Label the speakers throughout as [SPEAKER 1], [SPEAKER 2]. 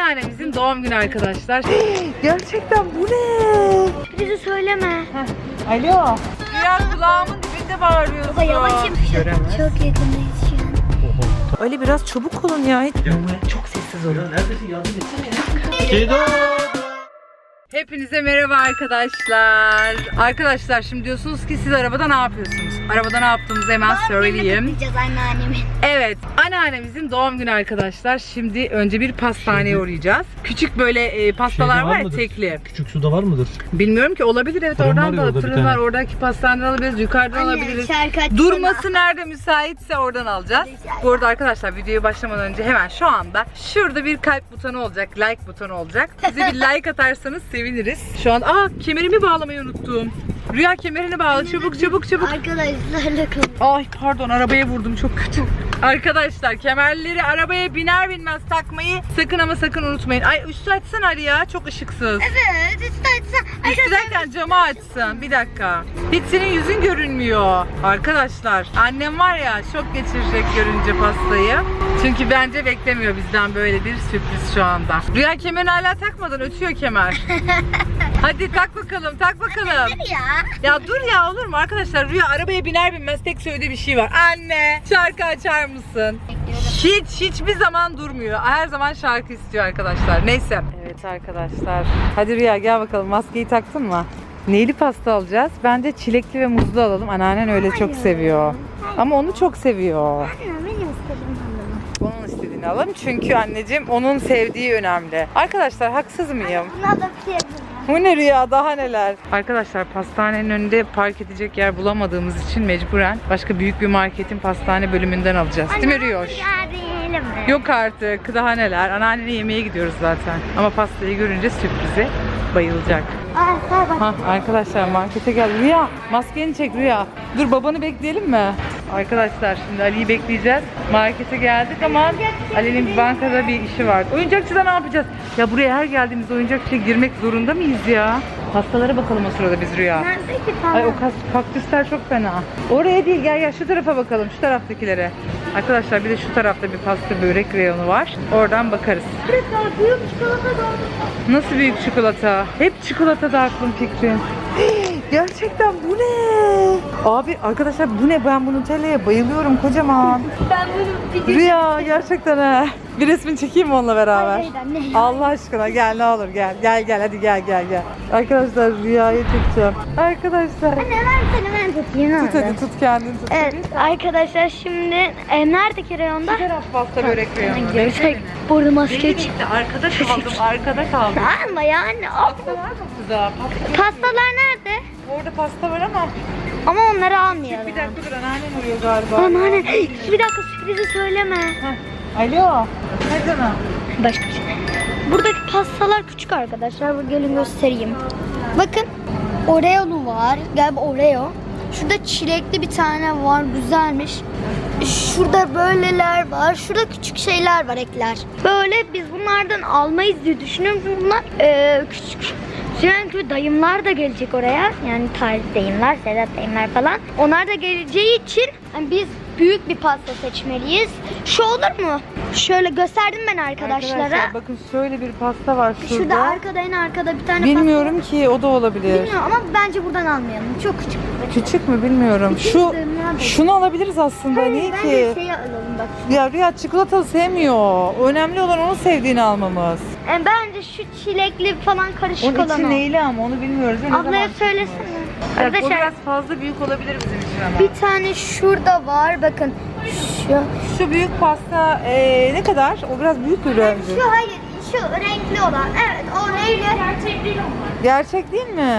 [SPEAKER 1] Anneannemizin doğum günü arkadaşlar. Gerçekten bu ne?
[SPEAKER 2] Bizi söyleme.
[SPEAKER 1] Alo. Rüya kulağımın dibinde bağırıyorsun.
[SPEAKER 2] Baba yavaşım.
[SPEAKER 1] Göremez.
[SPEAKER 2] Çok yakındayız şu an.
[SPEAKER 1] Ali biraz çabuk olun ya. Çok sessiz olun.
[SPEAKER 3] Neredesin? Yardım etsene.
[SPEAKER 1] Hepinize merhaba arkadaşlar. Arkadaşlar şimdi diyorsunuz ki siz arabada ne yapıyorsunuz? Arabada ne yaptığımızı hemen söyleyeyim.
[SPEAKER 2] Kutlayacağız anneannemin.
[SPEAKER 1] Evet, anneannemizin doğum günü arkadaşlar. Şimdi önce bir pastaneye uğrayacağız. Küçük böyle pastalar var ya, tekli.
[SPEAKER 3] Küçük suda var mıdır?
[SPEAKER 1] Bilmiyorum ki, olabilir, evet.
[SPEAKER 3] Fırın var
[SPEAKER 1] Oradan
[SPEAKER 3] ya
[SPEAKER 1] da
[SPEAKER 3] orada bir
[SPEAKER 1] fırın var,
[SPEAKER 3] tane.
[SPEAKER 1] oradaki pastaneden alabiliriz, yukarıdan alabiliriz. Durması nerede müsaitse oradan alacağız. Bu arada arkadaşlar videoya başlamadan önce hemen şu anda şurada bir kalp butonu olacak, like butonu olacak. Bize bir like atarsanız seviniriz. Şu an kemerimi bağlamayı unuttum. Rüya kemerini bağla, çabuk çabuk çabuk.
[SPEAKER 2] Arkadaşlarla konuş.
[SPEAKER 1] Ay pardon, arabaya vurdum, çok kötü. Arkadaşlar kemerleri arabaya biner binmez takmayı sakın ama sakın unutmayın. Ay üstü açsana Ali ya, çok ışıksız.
[SPEAKER 2] Evet, istersen.
[SPEAKER 1] Üstü derken camı açsın, bir dakika. Hiç senin yüzün görünmüyor. Arkadaşlar annem var ya, şok geçirecek görünce pastayı. Çünkü bence beklemiyor bizden böyle bir sürpriz şu anda. Rüya kemerini hala takmadan ötüyor kemer. Hadi tak bakalım, tak bakalım. Ya dur ya, olur mu arkadaşlar? Rüya arabaya biner binmez tek söylediği bir şey var. Anne, şarkı açar mısın? Hiçbir zaman durmuyor. Her zaman şarkı istiyor arkadaşlar. Neyse. Evet arkadaşlar. Hadi Rüya gel bakalım. Maskeyi taktın mı? Neyli pasta alacağız? Bence çilekli ve muzlu alalım. Anneannen öyle çok seviyor. Ama onu çok seviyor. Onun istediğini alalım. Çünkü anneciğim onun sevdiği önemli. Arkadaşlar haksız mıyım?
[SPEAKER 2] Buna da bir şey
[SPEAKER 1] Bu ne Rüya, daha neler? Arkadaşlar pastanenin önünde park edecek yer bulamadığımız için mecburen başka büyük bir marketin pastane bölümünden alacağız. Değil mi Rüyoş? Yok artık, daha neler. Anneannene yemeğe gidiyoruz zaten. Ama pastayı görünce sürprize bayılacak. Arkadaşlar markete gel. Rüya maskeni çek Rüya. Dur babanı bekleyelim mi? Arkadaşlar şimdi Ali'yi bekleyeceğiz. Markete geldik ama Ali'nin bankada bir işi var. Oyuncakçıda ne yapacağız? Ya buraya her geldiğimizde oyuncakçıya girmek zorunda mıyız ya? Pastalara bakalım o sırada biz Rüya. Ay o kaktüsler çok fena. Oraya değil, gel şu tarafa bakalım, şu taraftakilere. Arkadaşlar bir de şu tarafta bir pasta börek reyonu var. Oradan bakarız.
[SPEAKER 2] Büyük çikolata dondurma.
[SPEAKER 1] Nasıl büyük çikolata? Hep çikolatada aklım fikrim. Gerçekten bu ne? Abi arkadaşlar bu ne? Ben bu Nutella'ya bayılıyorum kocaman.
[SPEAKER 2] Ben bunu
[SPEAKER 1] Rüya gerçekten ha. Bir resmini çekeyim mi onunla beraber?
[SPEAKER 2] Hayır, anne.
[SPEAKER 1] Allah aşkına gel, ne olur gel. Gel hadi gel. Arkadaşlar Rüya'yı tutacağım. Arkadaşlar.
[SPEAKER 2] Anne ben tutayım.
[SPEAKER 1] Tut hadi, tut kendini tut.
[SPEAKER 2] Evet arkadaşlar şimdi neredeki reyonda?
[SPEAKER 1] Bu taraf pasta börek reyonu.
[SPEAKER 2] Görsek burada maske
[SPEAKER 1] Gitti, arkada kaldım.
[SPEAKER 2] Ama yani
[SPEAKER 1] Pasta var mı burada?
[SPEAKER 2] pastalar nerede?
[SPEAKER 1] Orada pasta var ama.
[SPEAKER 2] Ama onları almayalım.
[SPEAKER 1] Bir dakika dur, anneannem arıyor galiba.
[SPEAKER 2] Anneanne bir dakika, sürprizi söyleme.
[SPEAKER 1] Alo. Ne canım?
[SPEAKER 2] Başka bir şey. Buradaki pastalar küçük arkadaşlar. Gelin göstereyim. Bakın Oreo'lu var. Galiba Oreo. Şurada çilekli bir tane var. Güzelmiş. Şurada böyleler var. Şurada küçük şeyler var, ekler. Böyle biz bunlardan almayız diye düşünüyorum. Çünkü bunlar küçük. Çünkü dayımlar da gelecek oraya. Yani tarih dayımlar, Sedat dayımlar falan. Onlar da geleceği için yani biz büyük bir pasta seçmeliyiz. Şu olur mu? Şöyle gösterdim ben arkadaşlara.
[SPEAKER 1] Arkadaşlar bakın şöyle bir pasta var şurada.
[SPEAKER 2] Şurada arkada, en arkada bir tane
[SPEAKER 1] Bilmiyorum ki, o da olabilir.
[SPEAKER 2] pasta. Bilmiyorum ama bence buradan almayalım. Çok küçük.
[SPEAKER 1] Küçük mü bilmiyorum. Şunu alabiliriz aslında. Niye ki?
[SPEAKER 2] Bence şeyi alalım bak.
[SPEAKER 1] Ya Rüya çikolata sevmiyor. Önemli olan onun sevdiğini almamız.
[SPEAKER 2] Bence şu çilekli falan karışık
[SPEAKER 1] Onun
[SPEAKER 2] olan
[SPEAKER 1] içi
[SPEAKER 2] o.
[SPEAKER 1] neyli ama onu bilmiyoruz. Ne
[SPEAKER 2] Ablaya
[SPEAKER 1] zaman?
[SPEAKER 2] söylesene.
[SPEAKER 1] O
[SPEAKER 2] Arkadaşlar
[SPEAKER 1] biraz fazla büyük olabilir bizim için ama.
[SPEAKER 2] bir tane şurada var. Bakın
[SPEAKER 1] Şu büyük pasta ne kadar? O biraz büyük bir bence.
[SPEAKER 2] Şu hayır, şu renkli olan. Evet, o neyli? Gerçek değil onlar.
[SPEAKER 1] Gerçek değil mi?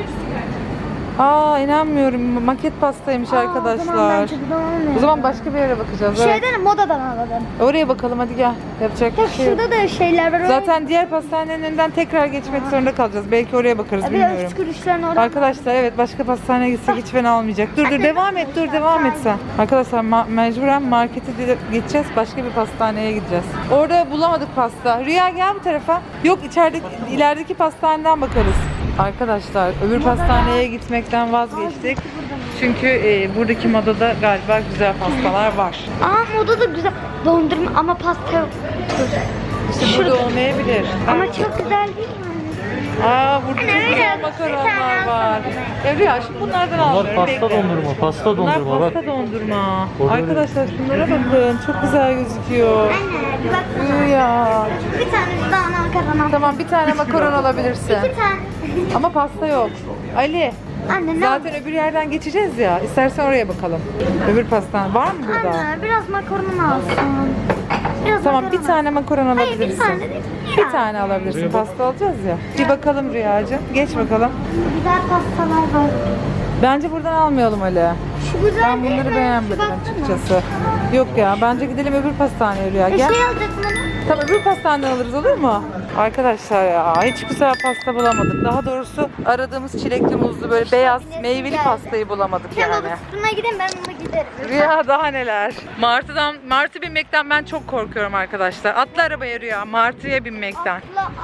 [SPEAKER 1] Aa inanmıyorum. Maket pastaymış arkadaşlar. O zaman başka bir yere bakacağız. Evet.
[SPEAKER 2] Şeyden, modadan alalım.
[SPEAKER 1] Oraya bakalım hadi gel. Yapacak bir şey yok.
[SPEAKER 2] Şurada da şeyler var.
[SPEAKER 1] Zaten diğer pastanenin önünden tekrar geçmek zorunda kalacağız. Belki oraya bakarız,
[SPEAKER 2] bir de
[SPEAKER 1] bilmiyorum.
[SPEAKER 2] üst kuruşların orada.
[SPEAKER 1] Arkadaşlar evet, başka pastaneye gitsek hiç fena olmayacak. Dur devam et sen. Arkadaşlar mecburen markete geçeceğiz. Başka bir pastaneye gideceğiz. Orada bulamadık pasta. Rüya gel bu tarafa. Yok, ilerideki pastaneden bakarız. Arkadaşlar öbür pastaneye gitmekten vazgeçtik. Çünkü buradaki modada galiba güzel pastalar var.
[SPEAKER 2] Moda da güzel. Dondurma ama pasta yok.
[SPEAKER 1] İşte burada olmayabilir.
[SPEAKER 2] Ama çok güzel değil mi?
[SPEAKER 1] Aa burada
[SPEAKER 2] Anne,
[SPEAKER 1] güzel
[SPEAKER 2] evet,
[SPEAKER 1] makaronlar
[SPEAKER 2] bir tane
[SPEAKER 1] var.
[SPEAKER 2] alsana.
[SPEAKER 1] Rüya şimdi bunlardan
[SPEAKER 3] Bunlar
[SPEAKER 1] almıyorum.
[SPEAKER 3] pasta
[SPEAKER 1] bekle.
[SPEAKER 3] dondurma, pasta
[SPEAKER 1] Bunlar
[SPEAKER 3] dondurma bak.
[SPEAKER 1] pasta dondurma.
[SPEAKER 3] Orada
[SPEAKER 1] Arkadaşlar şunlara bakın. Çok güzel gözüküyor.
[SPEAKER 2] Anne bir bak.
[SPEAKER 1] Rüya.
[SPEAKER 2] Bir tane daha makarna.
[SPEAKER 1] Tamam bir tane makaron alabilirsin.
[SPEAKER 2] İki tane.
[SPEAKER 1] Ama pasta yok. Ali.
[SPEAKER 2] Anne ne
[SPEAKER 1] Zaten öbür yerden geçeceğiz ya. İstersen oraya bakalım. Öbür pastan var mı burada?
[SPEAKER 2] Anne biraz makarna alsın. Biraz
[SPEAKER 1] Tamam
[SPEAKER 2] makarna
[SPEAKER 1] bir tane makaron
[SPEAKER 2] Hayır, bir
[SPEAKER 1] alabilirsin.
[SPEAKER 2] tane değil.
[SPEAKER 1] Bir tane alabilirsin. Pasta alacağız ya. Bir bakalım Rüyacığım. Geç bakalım.
[SPEAKER 2] Güzel pastalar var.
[SPEAKER 1] Bence buradan almayalım Ali.
[SPEAKER 2] Şu güzel
[SPEAKER 1] Ben
[SPEAKER 2] değil
[SPEAKER 1] bunları
[SPEAKER 2] mi?
[SPEAKER 1] beğenmedim
[SPEAKER 2] Şu baksana.
[SPEAKER 1] açıkçası. Yok ya bence gidelim öbür pastaneye Rüya. Gel.
[SPEAKER 2] Şey alacaksın ama.
[SPEAKER 1] Tamam öbür pastaneden alırız olur mu? Arkadaşlar ya hiç güzel pasta bulamadık. Daha doğrusu aradığımız çilekli muzlu böyle beyaz meyveli pastayı bulamadık
[SPEAKER 2] Sen
[SPEAKER 1] yani.
[SPEAKER 2] babasına gidin ben onunla giderim.
[SPEAKER 1] Rüya daha neler. Martı binmekten ben çok korkuyorum arkadaşlar. Atla arabaya Rüya. Martıya binmekten.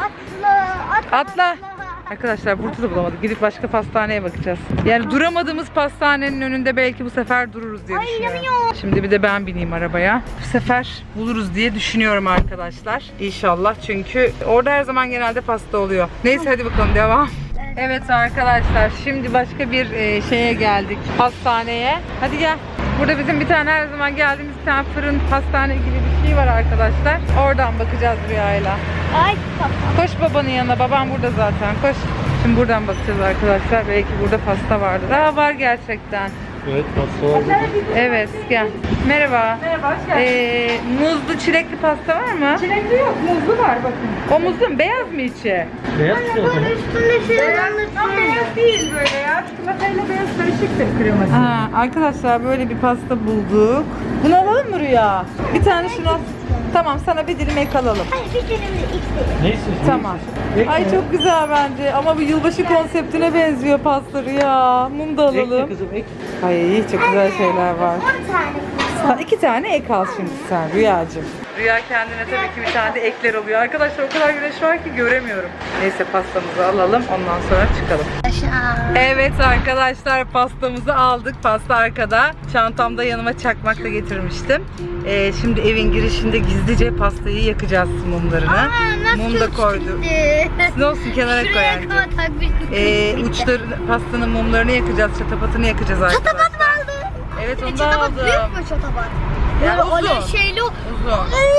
[SPEAKER 1] Atla. Arkadaşlar burada da bulamadık. Gidip başka pastaneye bakacağız. Yani duramadığımız pastanenin önünde belki bu sefer dururuz diye
[SPEAKER 2] Ay,
[SPEAKER 1] düşünüyorum.
[SPEAKER 2] inanamıyorum.
[SPEAKER 1] Şimdi bir de ben bineyim arabaya. Bu sefer buluruz diye düşünüyorum arkadaşlar. İnşallah çünkü orada her zaman genelde pasta oluyor. Neyse hadi bakalım devam. Evet arkadaşlar şimdi başka bir şeye geldik. Pastaneye. Hadi gel. Burada bizim bir tane her zaman geldiğimiz bir tane fırın pastane gibi bir şey var arkadaşlar. Oradan bakacağız Rüya'yla.
[SPEAKER 2] Ay papa.
[SPEAKER 1] Koş babanın yanına. Babam burada zaten. Koş. Şimdi buradan bakacağız arkadaşlar. Belki burada pasta vardır. Aa var gerçekten.
[SPEAKER 3] Evet pasta var burada.
[SPEAKER 1] Evet gel. Merhaba.
[SPEAKER 4] Merhaba, hoş geldin.
[SPEAKER 1] Muzlu çilekli pasta var mı?
[SPEAKER 4] Çilekli yok, muzlu var bakın.
[SPEAKER 1] O muzlu mu? Beyaz mı içi?
[SPEAKER 3] Beyaz çikolata mı?
[SPEAKER 2] Üstünde şey
[SPEAKER 4] Ama beyaz değil böyle ya. Çikolatayla beyaz karışıktır kreması.
[SPEAKER 1] Ha, arkadaşlar böyle bir pasta bulduk. Bunu alalım mı Rüya? Bir tane şunu al. Tamam sana bir dilim ek alalım.
[SPEAKER 2] Hayır bir dilimde ilk
[SPEAKER 3] Ne istiyorsun?
[SPEAKER 1] Tamam.
[SPEAKER 3] Ek
[SPEAKER 1] Ay
[SPEAKER 3] mi?
[SPEAKER 1] çok güzel bence ama bu yılbaşı konseptine benziyor pasta Rüya. Mum da
[SPEAKER 3] Ek mi
[SPEAKER 1] alalım.
[SPEAKER 3] kızım ek?
[SPEAKER 1] Ay çok güzel şeyler var.
[SPEAKER 2] 10 tane.
[SPEAKER 1] Sen 2 tane ek al şimdi sen Rüyacığım. Rüya kendine tabii ki bir tane de ekler oluyor. Arkadaşlar o kadar güneş var ki göremiyorum. Neyse pastamızı alalım ondan sonra çıkalım. Evet arkadaşlar pastamızı aldık. Pasta arkada. Çantamda yanıma çakmak da getirmiştim. Şimdi evin girişinde gizlice pastayı yakacağız mumlarını. Mum da koyduk. Ne olsun kenara koy
[SPEAKER 2] Şuraya
[SPEAKER 1] anne.
[SPEAKER 2] kama takmıştık.
[SPEAKER 1] Uçları pastanın mumlarını yakacağız. Çatapatını yakacağız arkadaşlar.
[SPEAKER 2] Çatapat mı aldın?
[SPEAKER 1] Evet onu da
[SPEAKER 2] Çatapat
[SPEAKER 1] aldım.
[SPEAKER 2] büyük mü çatapat?
[SPEAKER 1] Ya
[SPEAKER 2] Böyle
[SPEAKER 1] uzun.
[SPEAKER 2] öyle şeyli o.
[SPEAKER 1] Uzun.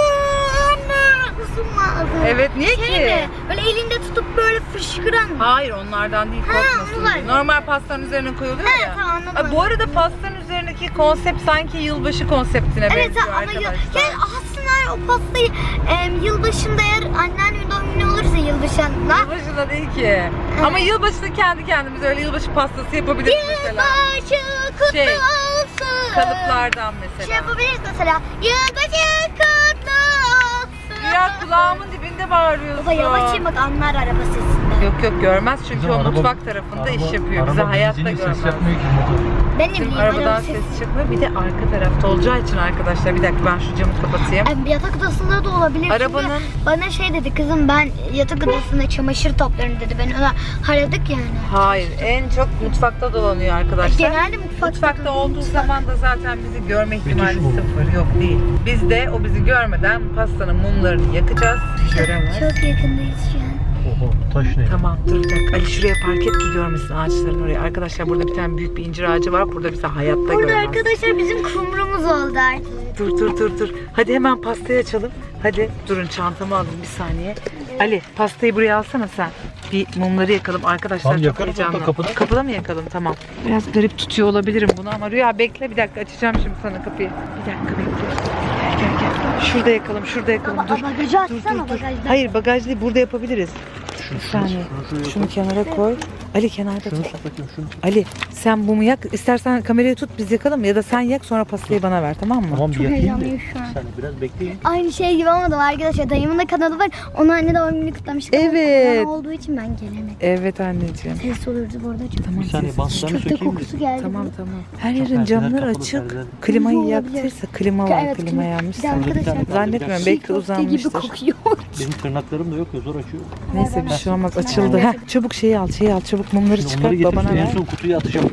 [SPEAKER 2] Anne uzun lazım.
[SPEAKER 1] Evet niye
[SPEAKER 2] Şey
[SPEAKER 1] ki?
[SPEAKER 2] mi? Böyle elinde tutup böyle fışkıran mı?
[SPEAKER 1] Hayır onlardan değil
[SPEAKER 2] Ha,
[SPEAKER 1] korkmasın
[SPEAKER 2] onlar.
[SPEAKER 1] diye. Normal pastanın üzerine koyuluyor
[SPEAKER 2] He,
[SPEAKER 1] ya.
[SPEAKER 2] tamam, anladım.
[SPEAKER 1] Ay, bu arada pastanın üzerindeki konsept sanki yılbaşı konseptine
[SPEAKER 2] Evet
[SPEAKER 1] benziyor
[SPEAKER 2] ama
[SPEAKER 1] arkadaşlar.
[SPEAKER 2] yani aslında o pastayı yılbaşında eğer anneannemin doğum günü olursa yılbaşında
[SPEAKER 1] Yılbaşında değil ki. Ama yılbaşında kendi kendimize öyle yılbaşı pastası yapabiliriz mesela.
[SPEAKER 2] yılbaşı kutlu
[SPEAKER 1] Şey,
[SPEAKER 2] olsun.
[SPEAKER 1] Kalıplardan
[SPEAKER 2] Şey
[SPEAKER 1] mesela.
[SPEAKER 2] yapabiliriz mesela. Yılbaşı kutlu olsun.
[SPEAKER 1] Ya kulağımın dibinde bağırıyorsun.
[SPEAKER 2] Baba yavaş in bak anlar araba sesinden.
[SPEAKER 1] Yok yok görmez çünkü
[SPEAKER 3] Kızım,
[SPEAKER 1] o
[SPEAKER 3] araba-
[SPEAKER 1] mutfak tarafında iş yapıyor.
[SPEAKER 3] araba
[SPEAKER 1] Bize hayatta
[SPEAKER 3] benzini
[SPEAKER 1] görmez.
[SPEAKER 3] ses yapmıyor ki motor.
[SPEAKER 2] Ben ne
[SPEAKER 1] Bizim
[SPEAKER 2] bileyim
[SPEAKER 1] arabadan
[SPEAKER 2] araba
[SPEAKER 1] ses çıkmıyor. Bir de arka tarafta olacağı için arkadaşlar. Bir dakika ben şu camı kapatayım.
[SPEAKER 2] Yatak odasında da olabilir.
[SPEAKER 1] Arabanın-
[SPEAKER 2] Çünkü bana şey dedi kızım ben yatak odasında çamaşır toplarım dedi. Ben ona haradık yani.
[SPEAKER 1] Hayır en çok mutfakta dolanıyor arkadaşlar.
[SPEAKER 2] Genelde mutfakta
[SPEAKER 1] Olduğu zaman da zaten bizi görme ihtimali
[SPEAKER 3] Peki şu mu?
[SPEAKER 1] sıfır. Yok değil. Biz de o bizi görmeden pastanın mumlarını yakacağız. Göremez.
[SPEAKER 2] Çok yakındayız şu an.
[SPEAKER 3] Oho taş ne?
[SPEAKER 1] Tamam dur bir dakika. Ali şuraya park et ki görmesin ağaçların oraya. Arkadaşlar burada bir tane büyük bir incir ağacı var. Burada bizi hayatta
[SPEAKER 2] Burada
[SPEAKER 1] görmez.
[SPEAKER 2] arkadaşlar bizim kumrumuz oldu artık.
[SPEAKER 1] Dur. Hadi hemen pastayı açalım. Hadi durun çantamı alayım bir saniye. Ali pastayı buraya alsana sen. Bir mumları yakalım arkadaşlar.
[SPEAKER 3] Tamam,
[SPEAKER 1] çok
[SPEAKER 3] yakarız hatta
[SPEAKER 1] heyecanlı.
[SPEAKER 3] kapıda.
[SPEAKER 1] Kapıda mı yakalım? Tamam. Biraz garip tutuyor olabilirim bunu ama Rüya bekle bir dakika açacağım şimdi sana kapıyı. Bir dakika bekle. Gel. Şurada yakalım dur.
[SPEAKER 2] Bagajı açsana bagajdan.
[SPEAKER 1] Hayır bagaj değil burada yapabiliriz. Bir saniye. Şunu kenara koy. Ali kenarda
[SPEAKER 3] Şunu
[SPEAKER 1] tut.
[SPEAKER 3] tut bakayım şunu.
[SPEAKER 1] Ali sen mumu yak. İstersen kamerayı tut biz yakalım ya da sen yak sonra pastayı bana ver tamam mı?
[SPEAKER 3] Tamam bir yakayım da.
[SPEAKER 2] heyecanlıyım şu an.
[SPEAKER 3] Bir saniye biraz bekleyin.
[SPEAKER 2] Aynı şey gibi olmadı arkadaşlar. Dayımın da kanalı var. Onun anne doğum gününü kutlamıştık. ama
[SPEAKER 1] Evet.
[SPEAKER 2] korona olduğu için ben gelemedim.
[SPEAKER 1] Evet anneciğim.
[SPEAKER 2] Ses olurdu bu arada. Çok.
[SPEAKER 1] Tamam,
[SPEAKER 3] Bir saniye
[SPEAKER 1] ses-
[SPEAKER 3] bantlarını
[SPEAKER 2] Köfte
[SPEAKER 3] sökeyim
[SPEAKER 2] kokusu
[SPEAKER 3] mi?
[SPEAKER 2] geldi.
[SPEAKER 1] Tamam. Her
[SPEAKER 3] Çok
[SPEAKER 1] yerin
[SPEAKER 3] perdeler
[SPEAKER 1] camları
[SPEAKER 3] kapalı,
[SPEAKER 1] açık.
[SPEAKER 3] perdeler.
[SPEAKER 1] Klimayı
[SPEAKER 2] Olabilir.
[SPEAKER 1] yaktıysa klima var.
[SPEAKER 2] Evet,
[SPEAKER 1] klima yanmış
[SPEAKER 2] Bir de
[SPEAKER 1] sanırım.
[SPEAKER 2] arkadaşlar.
[SPEAKER 1] Zannetmiyorum belki
[SPEAKER 2] Köfte gibi
[SPEAKER 1] uzanmıştır.
[SPEAKER 2] kokuyor.
[SPEAKER 3] Benim tırnaklarım da yok ya zor açıyor.
[SPEAKER 1] Neyse bir şey olmaz açıldı. Heh, çabuk şeyi al çabuk mumları
[SPEAKER 3] Şimdi
[SPEAKER 1] çıkar
[SPEAKER 3] onları getir
[SPEAKER 1] babana
[SPEAKER 3] en
[SPEAKER 1] ver.
[SPEAKER 3] son kutuya atacağım.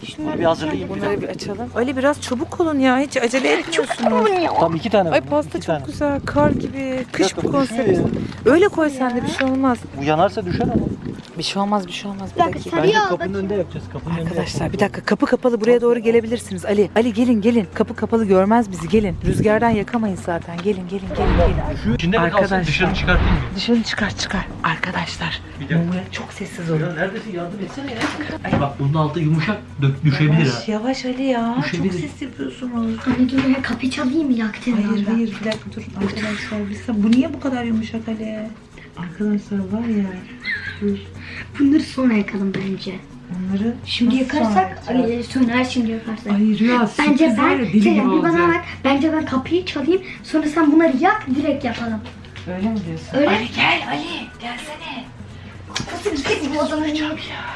[SPEAKER 1] şunları
[SPEAKER 3] Bir hazırlayayım.
[SPEAKER 1] Bunları bir açalım. Ali biraz çabuk olun ya. Hiç acele etmiyorsunuz.
[SPEAKER 3] Tam 2 tane.
[SPEAKER 1] Ay
[SPEAKER 3] var,
[SPEAKER 1] pasta
[SPEAKER 3] iki
[SPEAKER 1] çok
[SPEAKER 3] tane.
[SPEAKER 1] güzel. Kar gibi. Kış
[SPEAKER 3] dakika,
[SPEAKER 1] bu
[SPEAKER 3] bu
[SPEAKER 1] konsept.
[SPEAKER 3] düşüyor ya.
[SPEAKER 1] Öyle koy sen de bir şey olmaz.
[SPEAKER 3] Bu yanarsa düşer ama.
[SPEAKER 1] Bir şey olmaz, bir şey olmaz. Bir
[SPEAKER 2] Bir dakika,
[SPEAKER 1] dakika.
[SPEAKER 2] sarı
[SPEAKER 3] Bence
[SPEAKER 2] yağ
[SPEAKER 3] kapının
[SPEAKER 2] bakayım.
[SPEAKER 3] önünde yapacağız. Kapının önünde
[SPEAKER 1] Arkadaşlar bir dakika, kapı kapalı, buraya doğru gelebilirsiniz. Ali, Ali gelin gelin. Kapı kapalı, görmez bizi, gelin. Rüzgardan yakamayız zaten. Gelin gelin gelin.
[SPEAKER 3] Şu içinde mi
[SPEAKER 1] Arkadaşlar.
[SPEAKER 3] kalsın, dışarı çıkartayım mı?
[SPEAKER 1] Dışarı çıkar. Arkadaşlar.
[SPEAKER 3] Bir dakika.
[SPEAKER 1] Mumya çok sessiz olun.
[SPEAKER 3] Ya neredesin, yardım etsene ya. Bak bunun altı yumuşak, düşebilir ha.
[SPEAKER 1] Yavaş yavaş Ali ya. Çok
[SPEAKER 3] Düşebilir.
[SPEAKER 1] ses yapıyorsunuz.
[SPEAKER 2] Anne dur ya kapıyı çalayım yaktın.
[SPEAKER 1] Hayır bir dakika dur. Arkadaşlar bu niye bu kadar yumuşak Ali? Arkadaşlar var ya. Dur.
[SPEAKER 2] Bunları sonra yakalım bence.
[SPEAKER 1] Onları
[SPEAKER 2] Şimdi
[SPEAKER 1] nasıl
[SPEAKER 2] yakarsak
[SPEAKER 1] sonra yapacağız?
[SPEAKER 2] söner şimdi yakarsak.
[SPEAKER 1] Ay Rüya
[SPEAKER 2] Bence
[SPEAKER 1] sürpriz var ya,
[SPEAKER 2] ben
[SPEAKER 1] deli gibi
[SPEAKER 2] Kerem bir bana
[SPEAKER 1] olacak.
[SPEAKER 2] bak. Bence ben kapıyı çalayım. Sonra sen bunları yak direkt yapalım.
[SPEAKER 1] Öyle mi diyorsun?
[SPEAKER 2] Öyle.
[SPEAKER 1] Ali gel Ali gelsene.
[SPEAKER 2] Nasıl gidecek bu adamın ya?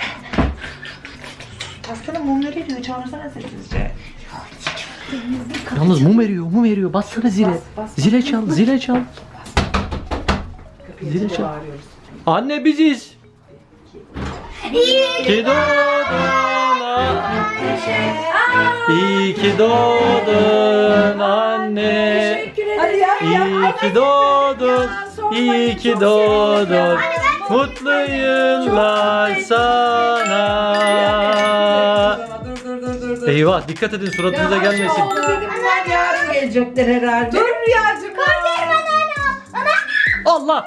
[SPEAKER 1] Pastanın mumları eriyor, çağırsana sessizce.
[SPEAKER 3] Yalnız mum eriyor. Bassana zile.
[SPEAKER 1] Bas.
[SPEAKER 3] Zile çal. Zile çal.
[SPEAKER 1] Kapıyı
[SPEAKER 3] Zile
[SPEAKER 1] açıp
[SPEAKER 3] çal.
[SPEAKER 1] bağırıyoruz.
[SPEAKER 3] Anne biziz. İyi ki doğdun. İyi ki doğdun anne.
[SPEAKER 4] Hadi ya.
[SPEAKER 3] İyi ki doğdun. İyi ki doğdun. Mutlu yıllar sana.
[SPEAKER 4] Dur.
[SPEAKER 3] Eyvah, dikkat edin suratınıza gelmesin.
[SPEAKER 4] Bunlar yarın gelecekler herhalde. Dur Rüyacığım.
[SPEAKER 3] Allah.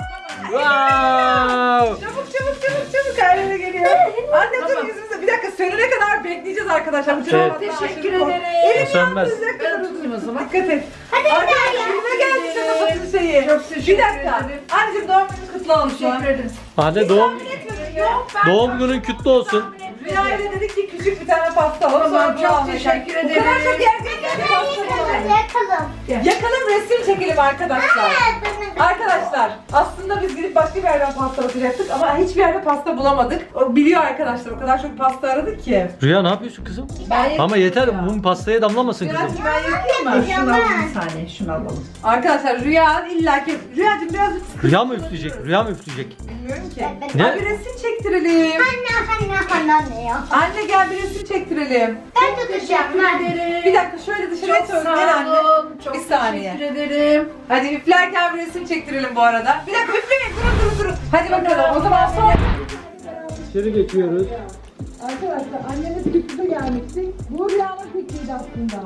[SPEAKER 3] Wow.
[SPEAKER 4] Çabuk ailene geliyor. Anne dur yüzümüze. Bir dakika sönene kadar bekleyeceğiz arkadaşlar. Bu
[SPEAKER 3] Evet.
[SPEAKER 4] teşekkür ederim.
[SPEAKER 3] O
[SPEAKER 4] Elim
[SPEAKER 3] sönmez.
[SPEAKER 4] yanmayacak kadar uzun o zaman. Dikkat et. Arkadaşlar elime geldi şu kapatın şeyi. Çok teşekkür ederim. Bir dakika. Anneciğim doğum günün kutlu olsun. Teşekkür ederim.
[SPEAKER 3] Anne doğum günün kutlu olsun.
[SPEAKER 4] Rüya ile dedik ki küçük bir tane pasta alalım. Tamam çok teşekkür ederim. O kadar çok gerçekten pasta alalım.
[SPEAKER 2] Yakalım.
[SPEAKER 4] Yakalım resim çekelim arkadaşlar. Arkadaşlar aslında biz gidip başka bir yerden pasta bakacaktık ama hiçbir yerde pasta bulamadık. O biliyor arkadaşlar, o kadar çok pasta aradık ki.
[SPEAKER 3] Rüya ne yapıyorsun kızım?
[SPEAKER 4] Ben
[SPEAKER 3] Ama yeter, mum pastaya damlamasın kızım.
[SPEAKER 4] Rüyacığım ben yakayım mı?
[SPEAKER 2] Şunu alalım
[SPEAKER 4] bir saniye, şunu alalım. Arkadaşlar Rüya illaki... Rüyacığım birazcık
[SPEAKER 3] Rüya mı üfleyecek? Rüya mı üfleyecek?
[SPEAKER 4] bilmiyorum ki.
[SPEAKER 3] Ne?
[SPEAKER 4] Abi resim çektirelim.
[SPEAKER 2] Anne ya.
[SPEAKER 4] Anne gel bir resim çektirelim.
[SPEAKER 2] Ben tutacağım.
[SPEAKER 4] Bir dakika şöyle dışarıya çöz. Gel anne. Bir saniye.
[SPEAKER 1] Teşekkür ederim.
[SPEAKER 4] Hadi üflerken bir resim çektirelim bu arada. Bir dakika üfleyin, durun. Hadi bakalım o zaman son.
[SPEAKER 3] İçeri geçiyoruz.
[SPEAKER 4] Arkadaşlar annemiz fikri gelmişti. Bu Rüya'nın fikriydi aslında.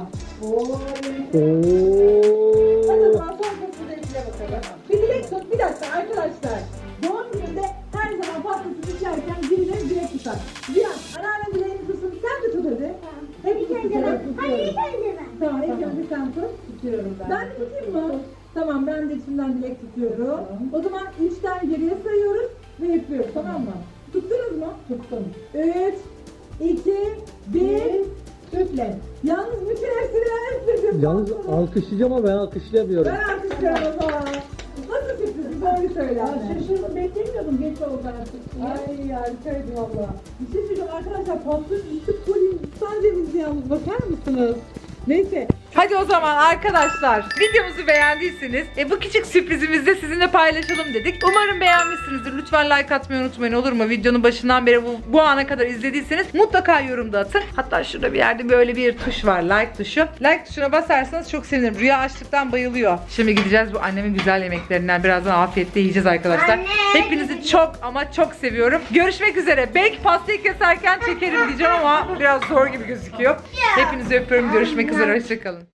[SPEAKER 4] Hadi o zaman son kısmı dilekle bakalım. Bir dilek tut, bir dakika arkadaşlar. Doğum gününde her zaman pastasını içerken birileri dilek tutar. Rüya, anneannem dileğini tutsun. Sen de tut hadi. Hep tutuyorum. Tamam, ilk önce sen tut. Tutuyorum ben. Ben de tutayım mı? Tamam, ben de içimden dilek tutuyorum. O zaman 3'ten geriye sayıyoruz ve üflüyoruz, tamam mı? Tuttunuz mu? Tuttum. 3, 2, 1, üfle. Yalnız bütün hepsini ben üfledim.
[SPEAKER 3] Yalnız alkışlayacağım ama ben alkışlayamıyorum.
[SPEAKER 4] Ben alkışlıyorum o zaman. Nasıl sürpriz? Doğru söyle. Şaşırdım, beklemiyordum. Geç oldu artık. Ay harikaydı valla. Bir şey söyleyeceğim arkadaşlar. Pastanın üstü Hindistan cevizi yalnız. Bakar mısınız? Neyse. Hadi o zaman arkadaşlar videomuzu beğendiyseniz bu küçük sürprizimizi de sizinle paylaşalım dedik. Umarım beğenmişsinizdir. Lütfen like atmayı unutmayın, olur mu? Videonun başından beri bu ana kadar izlediyseniz mutlaka yorumda atın. Hatta şurada bir yerde böyle bir tuş var, like tuşu. Like tuşuna basarsanız çok sevinirim. Rüya açlıktan bayılıyor. Şimdi gideceğiz bu annemin güzel yemeklerinden. Birazdan afiyetle yiyeceğiz arkadaşlar.
[SPEAKER 2] Anne,
[SPEAKER 4] Hepinizi çok ama çok seviyorum. Görüşmek üzere. Belki pastayı keserken çekerim diyeceğim ama biraz zor gibi gözüküyor. Hepinizi öpüyorum. Görüşmek üzere. Hoşçakalın.